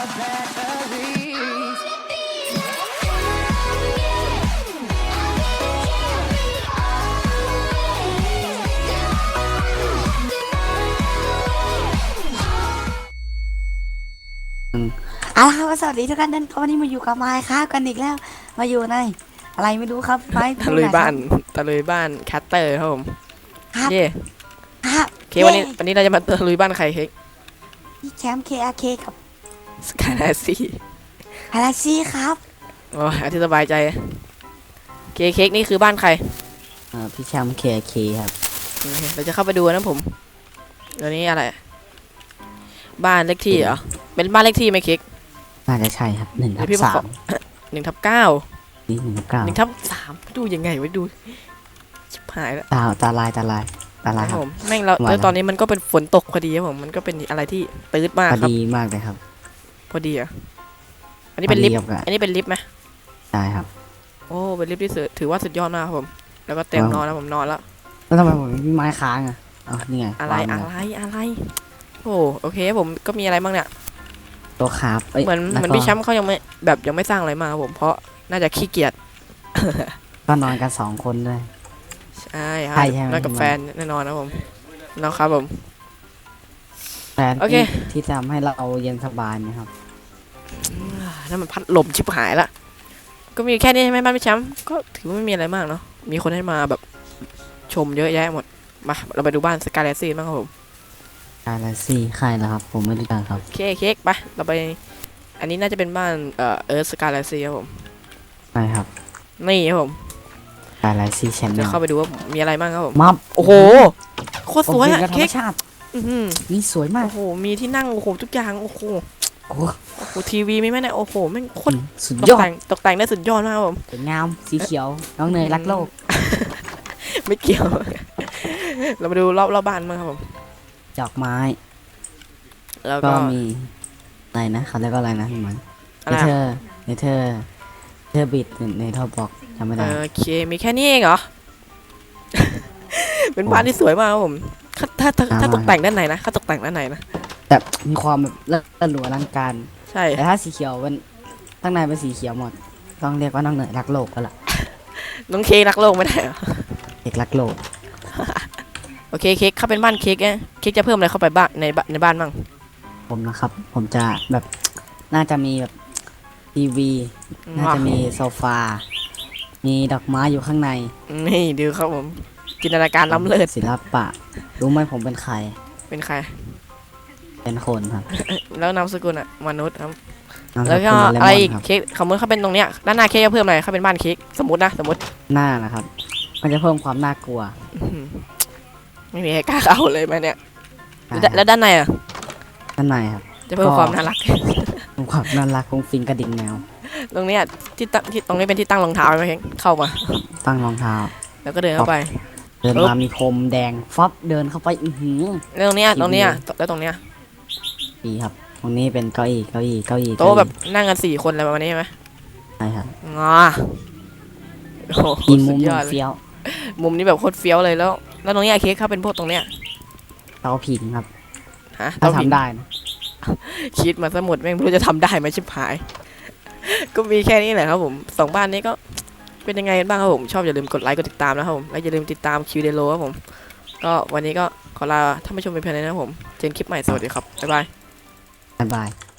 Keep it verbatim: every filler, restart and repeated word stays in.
เอาละครับสวัสดีทุกท่านท่านวันนี้มาอยู่กับไม้ครับกันอีกแล้วมาอยู่ในอะไรไม่รู้ครับไม้ตะลุยบ้านตะลุยบ้านแคตเตอร์ครับผมครับเย่ครับเควันนี้วันนี้เราจะมาตะลุยบ้านใครเค้กพี่แชมป์ เค อาร์ เค กับสกายแลสซี่ฮาราซี่ครับโอ้ยอธิสบายใจเคเค้กนี่คือบ้านใครเออพี่แชมป์ เค อาร์ เค ครับโอเคเราจะเข้าไปดูนะผมตัวนี้อะไรบ้านเลขที่เหรอเป็นบ้านเลขที่ไหมเค้กน่าจะใช่ครับหนึ่งทับพี่สามหนึ่งทับเก้านี่หนึ่งทับเก้าหนึ่งทับสามดูยังไงวะดูชิบหายแล้วตาตาลายตาลายตาลายคครัรับบ ผมแม่งเราแล้วตอนนี้มันก็เป็นฝนตกพอดีครับผมมันก็เป็นอะไรที่ตืดมากพอครับดีมากเลยครับพอดีอ่ะอันนี้เป็นลิฟต์พอดีครับอันนี้เป็นลิฟต์ไหมใช่ครับโอ้เป็นลิฟต์ที่สุดถือว่าสุดยอดมากครับผมแล้วก็เต็มนอนแล้วผมนอนแล้วแล้วทำไมผมมีไม้ค้างอ่ะอ๋อนี่ไงอะไรวางอะเลยไรอะไรโอ้โอเคผมก็มีอะไรบ้างเนี่ยตัวคาบเอ้ยเหมือนแล้วเหมือนก็พี่แชมป์เขายังไม่แบบยังไม่สร้างอะไรมาครับผมเพราะน่าจะขี้เกียจก็นอนกันสองคนด้วยใช่ครับใช่ใช่ไหมนอนกับแฟนแน่นอนนะผมนะครับผมแต่โอเคที่ที่ทำให้เราเย็นสบายนะครับนั่นมันพัดลมชิบหายละก็มีแค่นี้ใช่ไหมบ้านพี่แชมป์ก็ถือว่าไม่มีอะไรมากเนาะมีคนให้มาแบบชมเยอะแยะหมดมาเราไปดูบ้านสกายแลสซี่บ้างครับผมกาแล็กซี่ใครเหรอครับ ผมไม่รู้จักครับเค้กเค้กไปเราไปอันนี้น่าจะเป็นบ้านเอ่อเอิร์ธสกายแลสซี่ครับผมใช่ครับนี่ครับผมกาแล็กซี่แชนแนจะลเข้าไปดูว่ามีอะไรบ้างครับผมมับโอ้โหโคตรสวยอะโอ้โหธรรเค้มกชาติอื้อหือนี่สวยมากโอ้โหมีที่นั่งโอ้โหทุกอย่างโอ้โหโอ้โหโอ้โหทีวีมีไหมเนี่ยโอ้โหแม่งโคตรสุดตยกอดแต่งตกแต่งได้สุดยอดมากครับผมสวยงามสีเขียว น้องเนยรักโลกไม่เกี่ยว เรามาดูรอบรอบบ้านมั้างครับผมดอกไม้แล้วก็ก็มีอะไรนะเขาเรียกว่าอะไรนะพี่มันอะเนไรเธอะอร์เนเธอร์เธอร์บิดเนเธอร์บอกจำไม่ได้โอเคมีแค่นี้เองเหรอ เป็นบ้านที่สวยมากครับผมถ้าถ้าถ้าถ้าตกแต่งด้านไหนนะถ้าตกแต่งด้านไหนนะแต่มีความแบบเลิศหรูอลังการใช่แต่ถ้าสีเขียวเป็นข้างในเป็นสีเขียวหมด ต้องเรียกว่าน้องเนยรักโลกก็ละน้องเค้กรักโลกไม่ได้เหรอเอกรักโลกโอเคเค้กเข้าเป็นบ้านเค้กไงเค้กจะเพิ่มอะไรเข้าไปบ้านในบ้านในบ้านบ้างผมนะครับ ผมจะแบบน่าจะมีแบบทีวี น่าจะมีโซฟา มีดอกไม้อยู่ข้างในนี่ดูครับผมจินตนาการล้ำเลิศศิลปะ รู้ไหมผมเป็นใครเป็นใครเป็นคนครับแล้วนามสกุลอะมนุษย์ครับนามสแล้วก็กุลเลมอะไรอนอีกครับเค้กสมมติเขาเป็นตรงเนี้ยด้านหน้าเค้กจะเพิ่มอะไรเขาเป็นบ้านเค้กสมมตินะสมมติหน้านะครับ มันจะเพิ่มความน่ากลัวอื้อหือไม่มีใครกล้าเข้าเลยไหมเนี่ยใช่แล้วแล้วด้านในอะด้านในครับจะเพิ่มก็ความน่ารักเพิ่มความน่ารักของฟิงกระดิ่งแมวตรงเนี้ยที่ตั้งที่ตรงนี้เป็นที่ตั้งรองเท้าไหมเค้กเข้ามาตั้งรองเท้าแล้วก็เดินเข้าไปเดินปึ๊บมามีพรมแดงฟับเดินเข้าไปอือหือแล้วตรงเนี้ยทีวีตรงเนี้ยแล้วตรงเนี้ยดีครับ ตรงนี้เป็นเก้าอี้เก้าอี้เก้าอี้โต๊ะเก้าอี้แบบนั่งกันสี่คนอะไรประมาณนี้ใช่ไหมใช่ครับงอโอ้โหอีมุสุมดยอดเลยเฟี้ยวมุมนี้แบบโคตรเฟี้ยวเลยแล้ว แล้วตรงเนี้ยเค้กเข้าเป็นพวกตรงเนี้ยเตาผิงครับฮะถ้าเตผิงทำได้นะคิดมาสมุดแม่งไม่รู้จะทำได้ไหมชิบหาย ก็มีแค่นี้แหละครับผมสองบ้านนี้ก็เป็นยังไงกันบ้างครับผมชอบอย่าลืมกดไลค์กดติดตามนะครับผมและอย่าลืมติดตามคิวเดโลครับผมก็วันนี้ก็ขอลาท่านผู้ชมไปเพียงเท่านี้นะครับผมเจอกันคลิปใหม่สวัสดีครับบ๊ายบายบ๊ายบาย